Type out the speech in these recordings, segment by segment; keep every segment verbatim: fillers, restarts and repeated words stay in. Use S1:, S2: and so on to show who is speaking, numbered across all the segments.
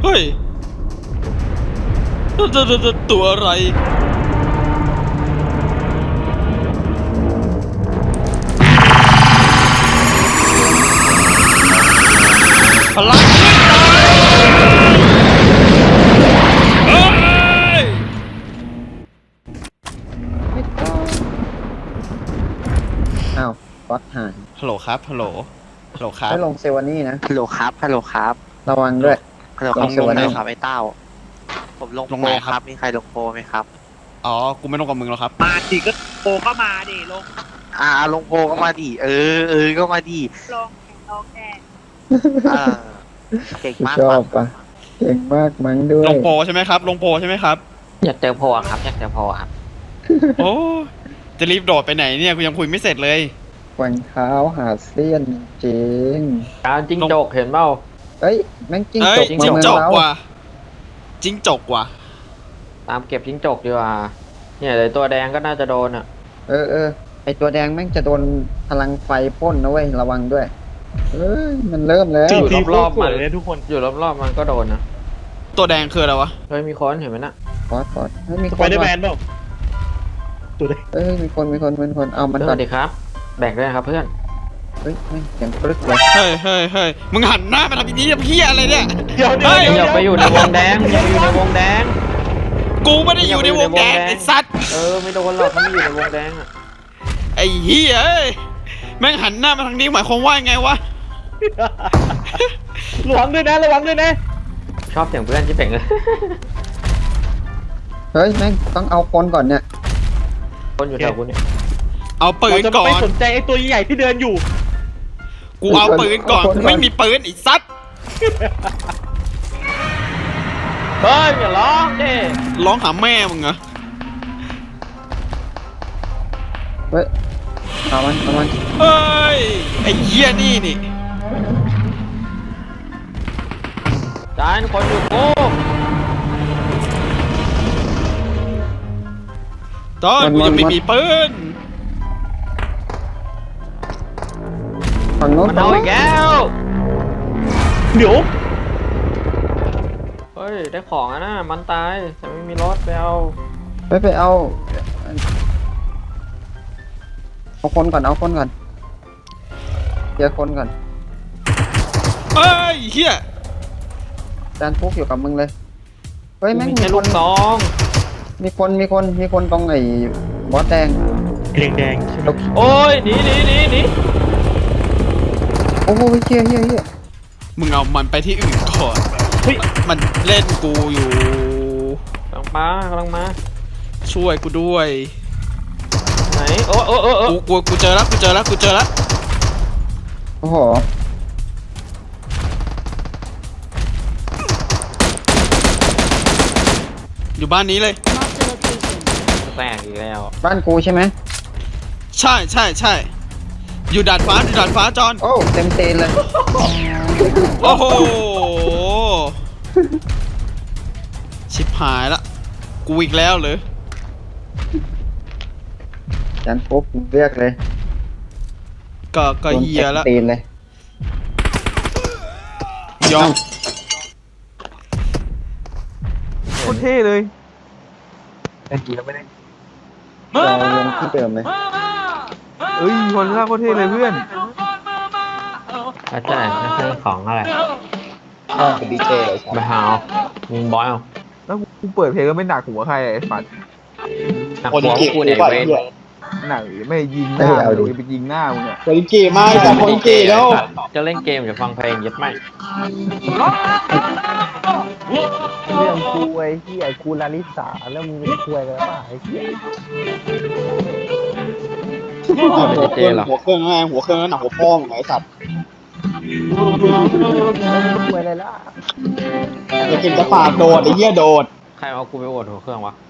S1: ฮ้ยตัวตัวตัวตัวอะไรพลังขึ้นตายเฮ้ย
S2: อ้าวก๊อตหาย
S1: ฮัลโหลครับฮัลโหลฮัลโหลครับ
S2: ไม่ลงเซวานี่นะ
S3: ฮัลโหลครับฮัลโหลครับ
S2: ระวังด้วย
S3: ฮัลโหลค
S2: ล
S3: รับ
S2: ง
S3: ล
S2: เซ
S3: ง
S2: เว่น
S3: เลยครับไอ้เต้าผมลง
S1: ลง
S3: โป
S1: ไห
S3: ร
S1: น
S3: ค
S1: ครั
S3: รับ บมีใครลงโปรไหมครับ
S1: อ๋อกูไม่ต้องกับมึงแล้วครับ
S4: มาดิก็โปรก็มาดิลง
S3: อ่าลงโปรก็มาดิเออเออก็มาดิ
S4: ลงลงแน่
S3: อ่าเก่งมาก
S2: ชอ
S3: ครั
S2: บบ ปะเก่งมากมั้งด้ว
S1: ล
S2: ย
S1: งโปรใช่ไหมครับลงโปรใช่ไหมครับ
S5: อยากเจอโพอะครับอยากเจอโพอะครับ
S1: โอ้จะรีบโดดไปไหนเนี่ยกูยังคุยไม่เสร็จเลย
S2: แกว่งเท้าหาเสี้ยนจริง
S5: การจิ้งจกเห็นเปล่า
S2: เอ้ยแม่งจิ้ง
S1: เอ้
S2: จ
S1: ย
S2: ก
S1: จิ้
S2: มาง เมือง
S1: จก
S2: เรา
S1: ว่ะจิ้งจกว่ะ
S5: ตามเก็บจิ้งจกดีกว่าเนี่ยเลยตัวแดงก็น่าจะโดนอ่ะ
S2: เออเออไอตัวแดงแม่งจะโดนพลังไฟพ่นนะเว้ยระวังด้วยเอ้ยมันเริ่มแล้ว
S5: อยู่รอบๆมัน
S4: เลยทุกคน
S5: อยู่รอบๆมันก็โดนนะ
S1: ตัวแดงคืออะไรวะ
S5: เฮ้ยมีคนเห็นไหมน่ะ
S2: ก๊อตก๊อตเฮ้ยมี
S4: ส
S2: ค
S4: ไป
S2: น
S4: เดอร์แม
S2: ว่ะ
S4: นเปล่าตัวเด็ก
S2: เอ้ยมีคนมีคนมีคนเอามัน
S5: เพื่
S2: ก่
S5: อ
S2: อน น
S5: ดีครับ แบ่งด้วยนะครับเพื่อน
S2: เฮ้ยแม่งเสียงปรึกเลย
S1: เฮ้ยเฮ้ยเฮ้ยมึงหันหน้ามาทำอย่างนี้เพี้ยอะไรเนี่ย
S4: เดี๋ยวเดี๋ยว
S1: เฮ้ย
S5: อย่าไปอยู่ในวงแดงอย่าไปอยู่ในวงแดง
S1: กูไม่ได้อยู่ในวงแดงไอ้สัตว์
S5: เออไม่โดนหรอกถ้าไม่อยู่ในวงแดงอ่ะ
S1: ไอ้เหี้ยเอ้ยแม่งหันหน้ามาทางนี้หมายความว่าไงวะ
S4: ระวังด้วยนะระวังด้วยนะ
S5: ชอบเสียงเพื่อนที่เป่งเลย
S2: เฮ้ยแม่งต้องเอาคนก่อนเนี่ย
S5: คนอยู่แถวกูเนี่ย
S1: เอาปื
S4: เรา
S1: น
S4: จะ
S1: ก่อ
S4: ไม่
S1: น
S4: สนใจไอ้ตัวใหญ่ที่เดินอยู่
S1: กูเอาปืนก่อนกูไม่มีปืนไอ้สัตว์
S5: เฮ้ยอย่าร้องดิ
S1: ร้องหาแม่มึงเหรอ
S2: เฮ้ยเอามันเอามัน
S1: เฮ้ยไอ้เหี้ยนี่นี่
S5: จานคนอยู่กู
S1: ตอนกูยังไม่มีปืน
S2: ฝั่งโน้น
S5: มัน
S2: ฝั่ง
S5: เอา
S2: โน้
S5: อี
S2: น
S5: กแล้ว
S4: เดี๋ยว
S5: เฮ้ยได้ของอ่ะนะมันตายแต่ไม่มีรถไปเอา
S2: ไปไปเอาเอาคนก่อนเอาคนก่อนเคลียร์คนก่อน
S1: เฮ้ยเหี้ย
S2: จานฟุกอยู่กับมึงเลยเฮ้ยแม่ง
S5: มี
S2: มี
S5: แค่
S2: ค
S5: ลู
S2: น
S5: กซอง
S2: มีคนมีคนมีคนตรงไอ้บอสแดง
S4: แดงแดงใช่ไหม
S5: โอ้ยหนีหนีหนีหนี
S2: โอ้โหเฮียเฮียเฮีย
S1: มึงเอามันไปที่อื่นก่อน
S4: เฮ้ย
S1: มันเล่นกูอยู่
S5: กำลังมากำลังมา
S1: ช่วยกูด้วย
S5: ไหนโอ้โอ้โอ้โอ้
S1: กูกูกูเจอแล้วกูเจอแล้วกูเจอแล้ว
S2: โอ้โห
S1: อยู่บ้านนี้เลย
S5: แตกอีกแล้ว
S2: บ้านกูใช่ไหม
S1: ใช่ใช่ใช่อยู่ดาดฟ้าอยู่ดาดฟ้าจอน
S2: โอ้เต็มเตนเลย
S1: โอ้โหชิบหายละกูอีกแล้วเหรอ
S2: จานฟุกเรียกเลย
S1: ก็ก็เฮียละ
S2: โดนเต็มเตนเลย
S1: ยอม
S6: โคตรเท่เลย
S2: เรายังที่เดิมเลย
S6: เอ้ยคนล่าโคตรเท่เลยเพื่อน
S5: อาจารย์นั่นคือของอะไร
S2: เป็นดีเจเลย
S5: มาหามึงบอยเอา
S6: แล้วกูเปิดเพลงก็ไม่หนักหัวใครไอ้ฝัด
S5: หนักหัวกูเนี่ยเว้น
S6: หนักไม่ยิงหน้ามึงไปยิงหน้ามึงเนี่ย
S7: คนเก๋มากจากคนเก๋แล้ว
S5: จะเล่นเกมจะฟังเพลงยัดไหม
S8: เรื่องกูไอ้เหี้ยกูลาลิสาแล้วมึงเป็นคุยกันป่ะไอ้เหี้ย
S7: หัวเครื่องหัวเครื่องไงหัวเครื่องหนักหัวพ่อมึงไอ้สัตว์
S8: คุยอะไรล่ะ
S7: จะกินจะฝากโดดไอ้เหี้ยโดด
S5: ใครเอากูไปโอดหัวเครื่องวะ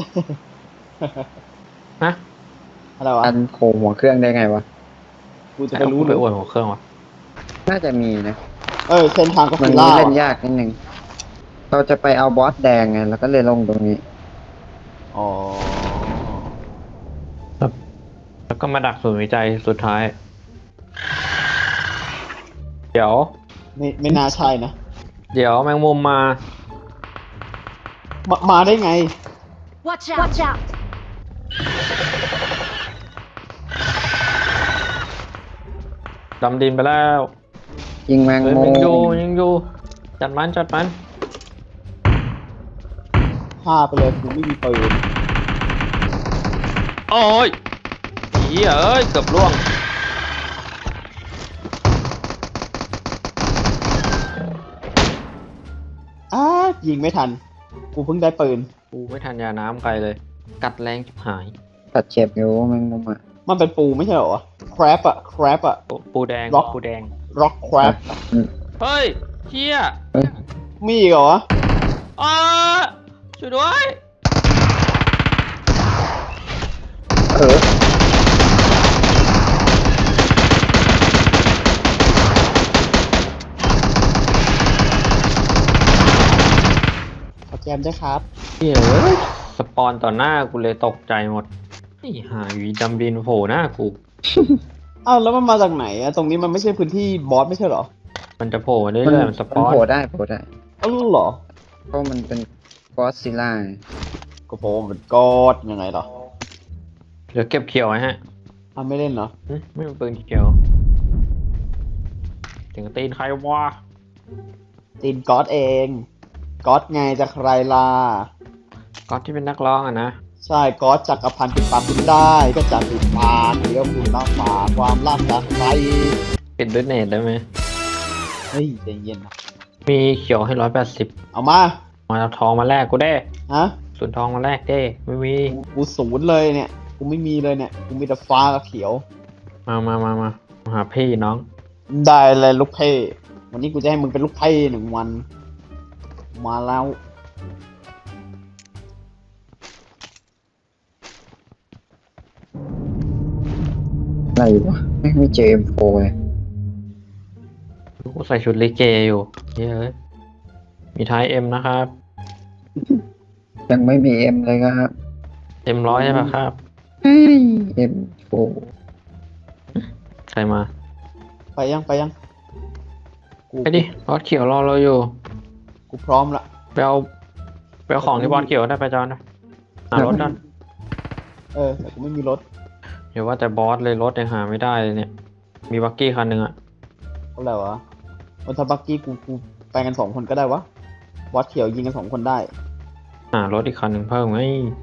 S5: ฮะ
S7: อะไรวะ
S2: อันโคหัวเครื่องได้ไงวะ
S7: กูจะ
S5: ใคร
S7: ไป
S5: เอา
S7: รู้
S5: กู
S7: ห
S5: ไป
S7: รือ
S5: โอดหัวเครื่องวะ
S2: น่าจะมีนะ
S7: เออเส้นทางก็
S2: มั
S7: คื
S2: น
S7: อล่า
S2: เล่นยากนิดนึงเราจะไปเอาบอสแดงไงแล้วก็เลยลงตรงนี้
S7: อ๋อ
S5: แล้วก็มาดักศูนย์วิจัยสุดท้าย เดี๋ยว
S7: ไม่ไม่น่าใช่นะ
S5: เดี๋ยวแมงมุมมา
S7: มามาได้ไง
S9: Watch out! Watch out!
S5: ดำดินไปแล้ว
S2: ยิงแมง
S5: เฮ้ย
S2: มุ
S5: ยังอยู่
S2: ม
S5: ยังอยู่จัดมันจัดมัน
S7: ฆ่าไปเลยกูไม่มีปืน
S5: โอ้ยเหี้ยเอ้ยเกือบล่วง
S7: อ้ายิงไม่ทัน กูเพิ่งได้ปืน
S5: กูไม่ทันยาน้ำไกลเลย กัดแรงจิบหาย
S2: ตัดเจ็บอยู่แมงมุมอ่ะ
S7: มันเป็นปูไม่ใช่เหรอ crab อะ crab อะ
S5: ปูปูแดง
S7: ล็อก
S5: ปูแดง
S7: rock crab
S5: เฮ้ยเฮีย
S7: มีอีกเหรอ
S5: อ้าช่วยด้วย
S2: เออ
S7: ขอแจมด้วยครับ
S5: เฮียเอ้ยสปอนต่อหน้ากูเลยตกใจหมดไอ้หาวีดำดินโผล่หน้ากู
S7: อ้าวแล้วมันมาจากไหนอะตรงนี้มันไม่ใช่พื้นที่บอสไม่ใช่เหรอ
S5: มันจะโผล่มาเรื่
S2: มัน
S5: อยๆมันสป
S2: มัน
S5: อน
S2: โผล่ได้โผล่ได้
S7: อ้าวเหรอ
S2: เพราะมันเป็นกอสซิลล่า
S7: ก็ผมเป็นกอดยังไงเหรอ
S5: เดี๋ยวเก็บเขียวไว้ฮะ
S7: อ้าวไม่เล่นเหรอ
S5: หึไม่เป็นปืนเขียวถึงตีนใครวะ
S7: ตีนกอดเองกอดไงจะใครล่ะ
S5: ก๊อตที่เป็นนักร้องอะนะ
S7: ใช่กอดจักรพันธ์ปิดปากคุณได้ก็จะปิดปากเดี๋ยวคุณรับปากความรักจากใคร
S5: ปิดด้วยเน็ตได้ไหม
S7: เฮ้ยใจเย็นนะ
S5: มีเขียวให้ร้อยแปดสิบ
S7: เอามา
S5: มาเอาทองมาแลกกูได้
S7: ฮะ
S5: ส่วนทองมาแลกได้ไม่มี
S7: กูกูศูนย์เลยเนี่ยกูไม่มีเลยเนี่ยกูมีแต่ฟ้ากับเขียว
S5: มามามามามาหาพี่น้อง
S7: ได้เลยลูกเพ่วันนี้กูจะให้มึงเป็นลูกเพ่หนึ่งวัน มาแล้ว
S2: อะไรวะไม่ไม่เจอ เอ็ม โฟร์ เลย
S5: กูใส่ชุดลิเกอยู่เฮ้ยเอ้ยมีท้ายเอ็มนะครับ
S2: ยังไม่มี M เลยครับ
S5: เอ็มร้อยใช่ปะครับ
S2: เฮ้ย เอ็ม โฟร์
S5: ใครมา
S7: ไปยังไปยังกู
S5: ไปดิบอสเขียวรอเราอยู่
S7: กูพร้อมละ
S5: ไปเอาไปเอาของที่บอสเขียวได้ไปจอนนะหารถกัน
S7: เออแต่กูไม่มีรถ
S5: เดี๋ยวว่าแต่บอสเลยรถยังหาไม่ได้เลยเนี่ย มีบักกี้คันหนึ่งอะ
S7: เท่าไหร่วะวันทาบักกี้กูกูไปกันสองคนก็ได้วะวัดเขียวยิงกันสองคนได้
S5: หารถอีกคันหนึ่งเพิ่มไง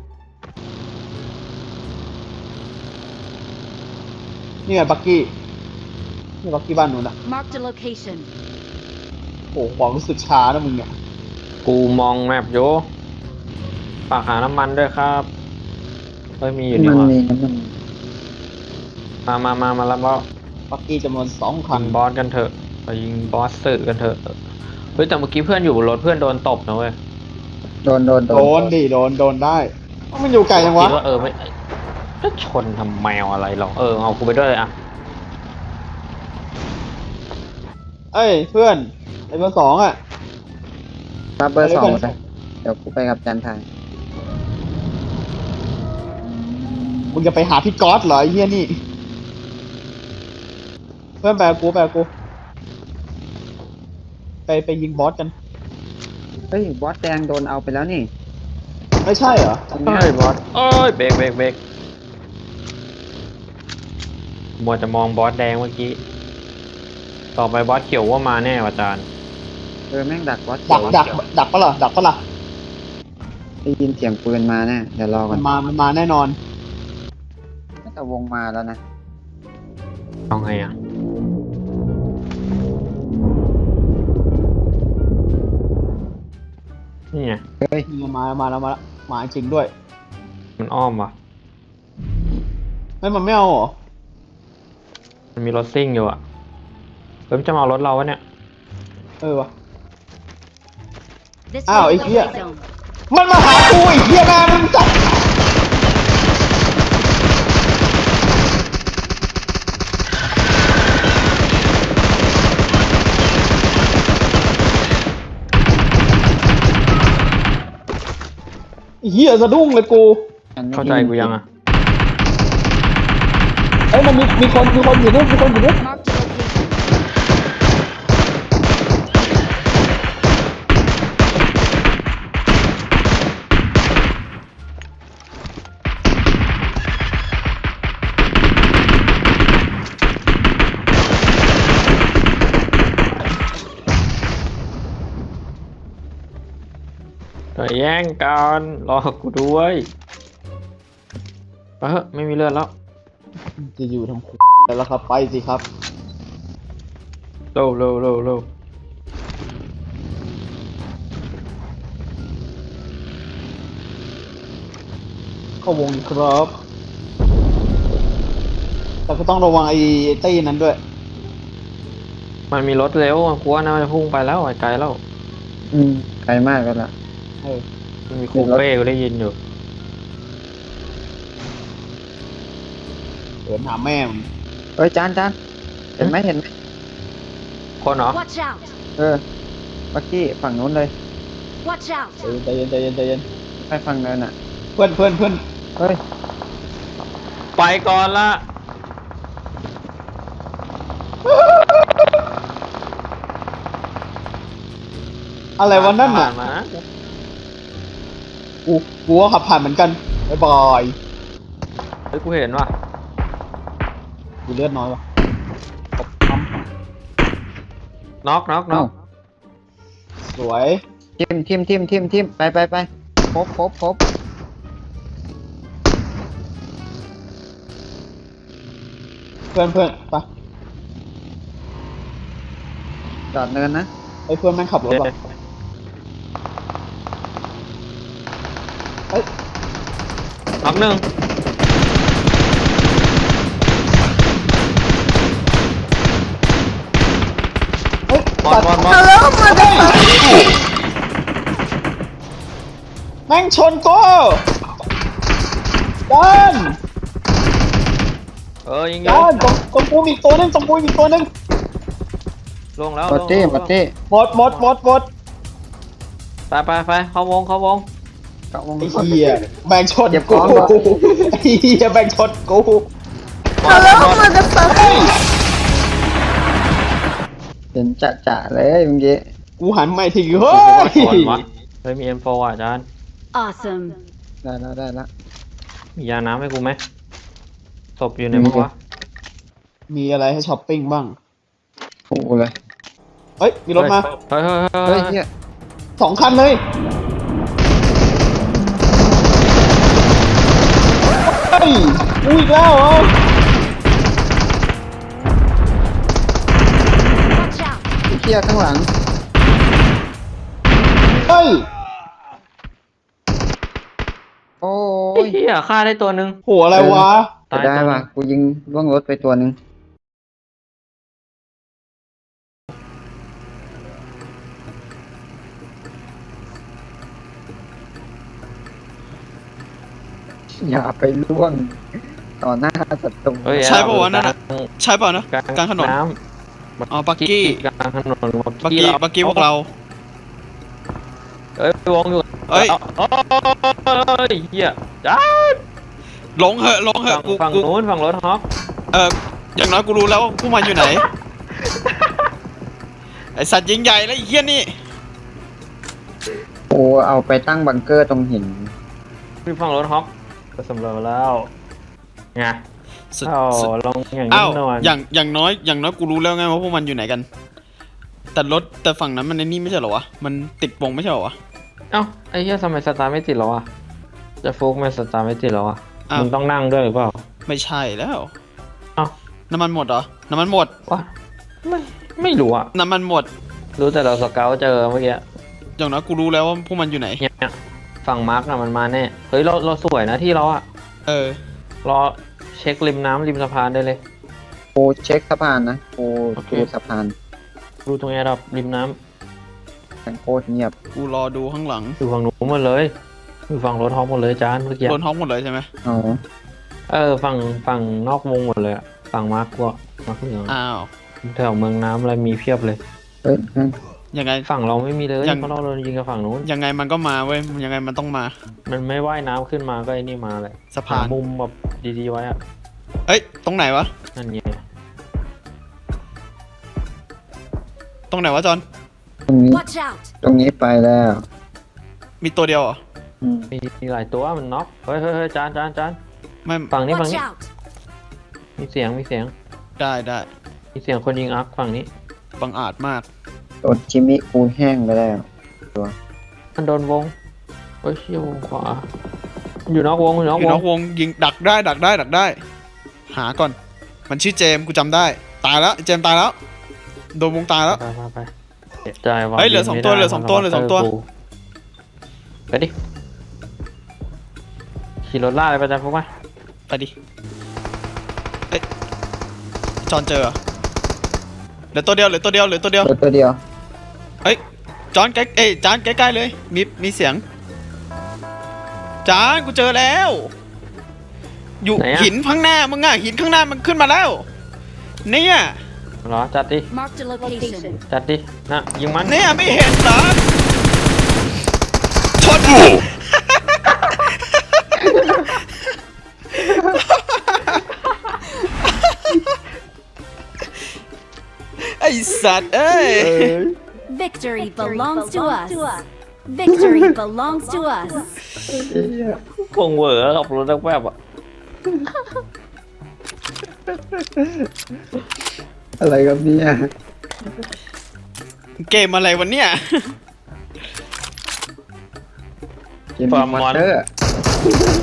S7: นี่ไงบักกี้นี่บักกี้บ้านนู้นอะ
S9: Marked a location.
S7: โอ้โหความรู้สึกช้านะมึงเนี่ย
S5: กูมองแมปอยู่ฝากหาน้ำมันด้วยครับเฮ้ยมีอยู่นี่
S2: มัน
S5: หว่า
S2: มีน้ำมัน
S5: มามามามาแล้วบอส
S7: บักกี้จำนวนสองคั
S5: ยิ
S7: น
S5: งบอสกันเถอะไปยิงบอสสื่อกันเถอะเฮ้ยแต่เมื่อกี้เพื่อนอยู่บนรถเพื่อนโดนตบนะเว้ย
S2: โดนโดน
S7: โดนดิโดนโดนได้เอ้ามันอยู่ไกลจังวะ
S5: คิดว่าเออไม่จะชนทำแมวอะไรหรอกเออเอากูไปด้วยเลยอะ
S7: เอ้ยเพื่อนไอ้เบอร์สองอะ
S2: รับเบอร์
S7: ไป
S2: ส
S7: ด้
S2: อ
S7: วย
S2: ง
S7: กัน
S2: เลยเดี๋ยวกูไปกับจันทาย
S7: มึงจะไปหาพี่ก๊อตเหรอไอ้เหี้ยนี่ เพื่อนไปกับกูไปกับกูไปไปยิงบอสกัน
S2: เฮ้ย บอสแดงโดนเอาไปแล้วนี่
S7: ไม่ใช่เหรอ
S2: ตรงเนี้ย
S5: เฮ้ยบอสเอ้ยเบรกเบรกเบรกมัวจะมองบอสแดงเมื่อกี้ต่อไปบอสเขียวว่ามาแน่ว่ะอาจารย์
S2: เออแม่งดักบอส
S7: ดั
S2: เขี
S7: ก
S2: ยว
S7: ดักดักปะล่ะดักปะล่ะ
S2: ได้ยินเสียงปืนมาแน่เดี๋ยวรอก่
S7: มั
S2: อน
S7: นมามันมาแน่นอน
S2: น่าจะวงมาแล้วนะ
S5: เอาไงอ่ะนี่ไง
S2: เฮ้ย
S7: มาแล้วมาแล้วมาแล้วมาจริงด้วย
S5: มันอ้อมว่ะ
S7: เฮ้ยมันไม่เอาเหรอ
S5: มันมีรถซิ่งอยู่อ่ะเฮ้ยมันจะมาเอารถเราวะเนี่ย
S7: เออวะ
S9: This
S7: Ow,
S9: way
S7: I
S9: is the
S7: hear-
S9: play zone.
S7: มันมาหากูไอ้เหี้ยแม่มึงจัดไอ้เหี้ยสะดุ้งเลยกู
S2: มันไม่
S5: เข้าใจกูยังอ่ะ
S7: เอ้ยมันมีมีคนมีคนอยู่ด้วยมีคนอยู่ด้วย
S9: Marked a location.
S7: ไ
S5: แย่งกันรอกูด้วยไปเถอะไม่มีเลือดแล้ว
S7: จะอยู่ทำแล้วครับไปสิครับ
S5: เร็วเร็วเร็วเร็ว
S7: เข้าวงครับ แต่ก็ต้องระวังไอ้ตี้นั้นด้วย
S5: มันมีรถเร็วอะกูว่าน่าจะพุ่งไปแล้วไกลแล้ว
S2: อืมไกลมากแล้วล่ะ
S7: เออ
S5: มันมีคูเป้กูได้ยินอยู่
S7: เดินหาแม่มง
S2: เอ้ยจานจานเห็นไหมเห็นไหม
S5: คนเหรอ
S9: Watch out!
S2: เออบักกี้ฝั่งนู้นเลย
S9: Watch out!
S7: ใจเย็นใจเย็นใจเย็น
S2: ไปฝั่งเนินอ่ะ
S7: เพื่อนเพื่อนเพื่อน
S2: เฮ้ย
S5: ไปก่อนละ
S7: อะไรวะนั่นน่ะ
S5: ผ่ามา
S7: กูกูก็ขับผ่านเหมือนกันบ๊ายบาย
S5: เฮ้ยกูเห็นว่ะ
S7: กูเลือดน้อยวะตบท
S5: น็อกน็อกน็อก
S7: ำสวย
S2: ทิมทิมทิมทิมทิมไปไปไปครบครบครบ
S7: เพื่อนเพื่อนไป
S2: จอดเนินนะ
S7: ไอ้เพื่อนแม่งขับรถว่ะเอ้ย
S5: น็อกหนึ่ง
S7: เฮ้ย
S5: บอลบอลบอล
S7: แม่งชนกูดัน
S5: เออยิงยิ
S7: ดั
S5: ง
S7: นตรงตรงกูมีอีกตัวหนึงตรงกูมีอีกตัวหนึง
S5: ลงแล้ว
S2: หมด
S5: ลง
S2: ตี้
S5: ลง
S2: หมดตี้
S7: หมดหมดหมดหมด
S5: ไปไปไปเข้าวงเข้าวง
S2: เกาะวง
S7: ไอ้เหี้ยแบ่งชน
S2: เก็บข
S7: กู
S2: องก่อน
S7: ไอ้เหี้ยแบ่งชนกู
S5: ฮัลโหลมาจะ
S2: เห็นจะจะเลยเมื่อกี้
S7: กูหันไม่ทีเฮ้
S5: เฮ้ย
S7: ย
S5: เฮ้ยมี เอ็ม โฟร์ อ่ะอาจารย์
S9: Awesome.
S2: ได้แล้วได้แล้ว
S5: มียาน้ำให้กูไหมศพอยู่ในมั้งวะ
S7: มีอะไรให้ช้อปปิ้งบ้าง
S2: โอ้เลย
S7: เฮ้ยมีรถมา
S5: เฮ้ยเฮ้ยเฮ้ย
S2: เฮ้
S5: เฮ้
S2: ย
S5: ย
S2: เฮีย
S7: สองคันเลยเฮ้ยกูอีกแล้วเหรอ
S9: Watch out!
S2: เฮียข้างหลัง
S7: เฮ้ย
S2: โอ้ย
S5: เฮียฆ่าได้ตัวหนึ่ง
S7: โหอะไรวะ
S5: ตาย
S2: ได้
S5: ตัวห
S2: ป่ะ
S5: นึ่ง
S2: กูยิงล่วงรถไปตัวหนึ่งอย่าไปล่วงต่อหน้าศัตรู
S5: เฮ้ย
S1: ใช่ป่าวะนั่นน่ะ ใช่เปล่านะ
S5: กลาง
S1: กลางถนน
S5: น้
S1: อ๋อ
S5: ำ
S1: บักกี้
S5: กลางถนน
S1: บักกี้บักกี้พวกเรา
S5: เอ้ยวงอยู่
S1: เอ้ย
S5: โอ้ยเฮียจ้า
S1: หลงเหอะหลงเหอะ
S5: ฝั่ง
S1: กู
S5: ฝั่ง
S1: กู
S5: นู้นฝั่งรถฮอป
S1: เอออย่างน้อยกูรู้แล้วว่าพวกมันอยู่ไหน ไอสัตว์ยิงใหญ่แล้วไอ้เหี้ยนี่
S2: โอ้เอาไปตั้งบังเกอร์ตรงหิน
S5: คือฝั่งรถฮอปก็สำเร็จแล้วไง
S1: สุด
S5: อ้าว
S1: สุด
S5: ลงอย่าง
S1: อ้า
S5: นี้
S1: ว
S5: หน่อย
S1: อย่างอย่างน้อยอย่างน้อยกูรู้แล้วไงว่าพวกมันอยู่ไหนกัน แต่รถแต่ฝั่งนั้นมันในนี่ไม่ใช่เหรอวะ มันติดวงไม่ใช่เหรอวะ
S5: เอ้าไอ้เหี้ยทำไมสตาร์ทไม่ติดแล้วอ่ะจะฟุกไหมสตาร์ทไม่ติดแล้วอ่ะ
S1: อ้าว
S5: มึงต้องนั่งด้วยหรือเปล่า
S1: ไม่ใช่แล้ว
S5: เอ้า
S1: น้ำมันหมดเหรอ น้ำมันหมด
S5: วะไม่ไม่รู้อ่ะ
S1: น้ำมันหมด
S5: รู้แต่เราสเกลเจอเมื่อกี้
S1: อย่างน้อยกูรู้แล้วว่าพวกมันอยู่ไหน
S5: เนี่ยฝั่งมาร์กอะมันมาแน่เฮ้ยเราเราสวยนะที่เราอ่ะ
S1: เออ
S5: รอเช็คริมน้ำริมสะพานได้เลย
S2: กูเช็คสะพานนะกู
S5: โอเค
S2: ดูสะพาน
S5: ดูตรงแอร์ดรอปริมน้
S2: แม่งโคตรเงียบ
S1: กูรอดูข้างหลัง
S5: ำอยู่ฝั่งนู้นหมดเลยอยู่ฝั่งรถฮอปหมดเลยจานเมื่อกี้
S1: โดนท้องหมดเลยใช่ไหม
S2: อ๋อ
S5: เออฝั่งฝั่งนอกวงหมดเลยอะฝั่งมาร์กก็มาร์กเหลือง
S1: อ้าว
S5: แถวเมืองน้ำอะไรมีเพียบเลย
S2: เฮ้ยนั่น
S1: ยังไง
S5: ฝั่งเราไม่มีเลย
S1: ยัง
S5: เพราะเราโดนยิงกับฝั่งนู้น
S1: ยังไงมันก็มาเว้ย ยังไงมันต้องมา
S5: มันไม่ว่ายน้ำขึ้นมาก็ไอ้นี่มาเลย
S1: สะพาน
S5: หมุมแบบดีๆไว้อะ
S1: เอ้ย ตรงไหนวะ
S5: นั่นไง
S1: ตรงไหนวะจอน
S2: ตรงนี้
S9: Watch out!
S2: ตรงนี้ไปแล้ว
S1: มีตัวเดียวเหรอ
S2: อืม
S5: มีมีหลายตัวมันน็อกเฮ้ยเฮ้ยเฮ้ยจานจานจาน
S1: ไม่
S5: ฝั่งนี้ฝั่ง
S9: Watch
S5: นี้
S9: out!
S5: มีเสียงมีเสียง
S1: ได้ได้
S5: มีเสียงคนยิงอัพฝั่งนี้
S1: บังอาจมาก
S2: โดนจิมิกูแห้งไปแล้ว
S5: มันโดนวงเฮ้ยเชี่ยวงขวา อยู่นอกวงอยู่นอก
S1: อยู่
S5: วน
S1: อง กวงยิงดักได้ดักได้ดักได้ หาก่อน มันชื่อเจมส์กูจำได้ ตายแล้วเจมส์ตายแล้ว โดนวงตายแล้ว
S5: ไปไปไปเจ็บใจว่ะ
S1: เฮ้ยเหลือสองตัว
S5: ไม่ได้
S1: เหลือสองตัวเหลือสองตัว
S5: ไปดิขี่รถล่าเลยไปจ้ะพวกมา
S1: ไปดิเอ้ยจอนเจอเหรอเหลือตัวเดียวเหลือตัวเดียวเหลือตัวเดียว
S2: ตัวตัวเดียว
S1: เฮ้ยจอนใกล้เอ้ยจานใกล้ๆเลยมีมีเสียงจานกูเจอแล้ว อยู่หินข้างหน้ามึงอะหินข้างหน้ามันขึ้นมาแล้วเนี่ย
S5: เหรอจัดดิ
S9: Marked a location.
S5: จัดดินะยิงมัน
S1: เนี่ยไม่เห็นเหรอชน ไอสัตว์เอ้ย
S9: Victory belongs to us. Victory belongs to us.
S5: คงเหวอขับรถแวบๆอ่ะ
S2: อะไรครับเนี่ย
S1: เกมอะไรวันเนี้ย
S2: เกมมอนเตอร์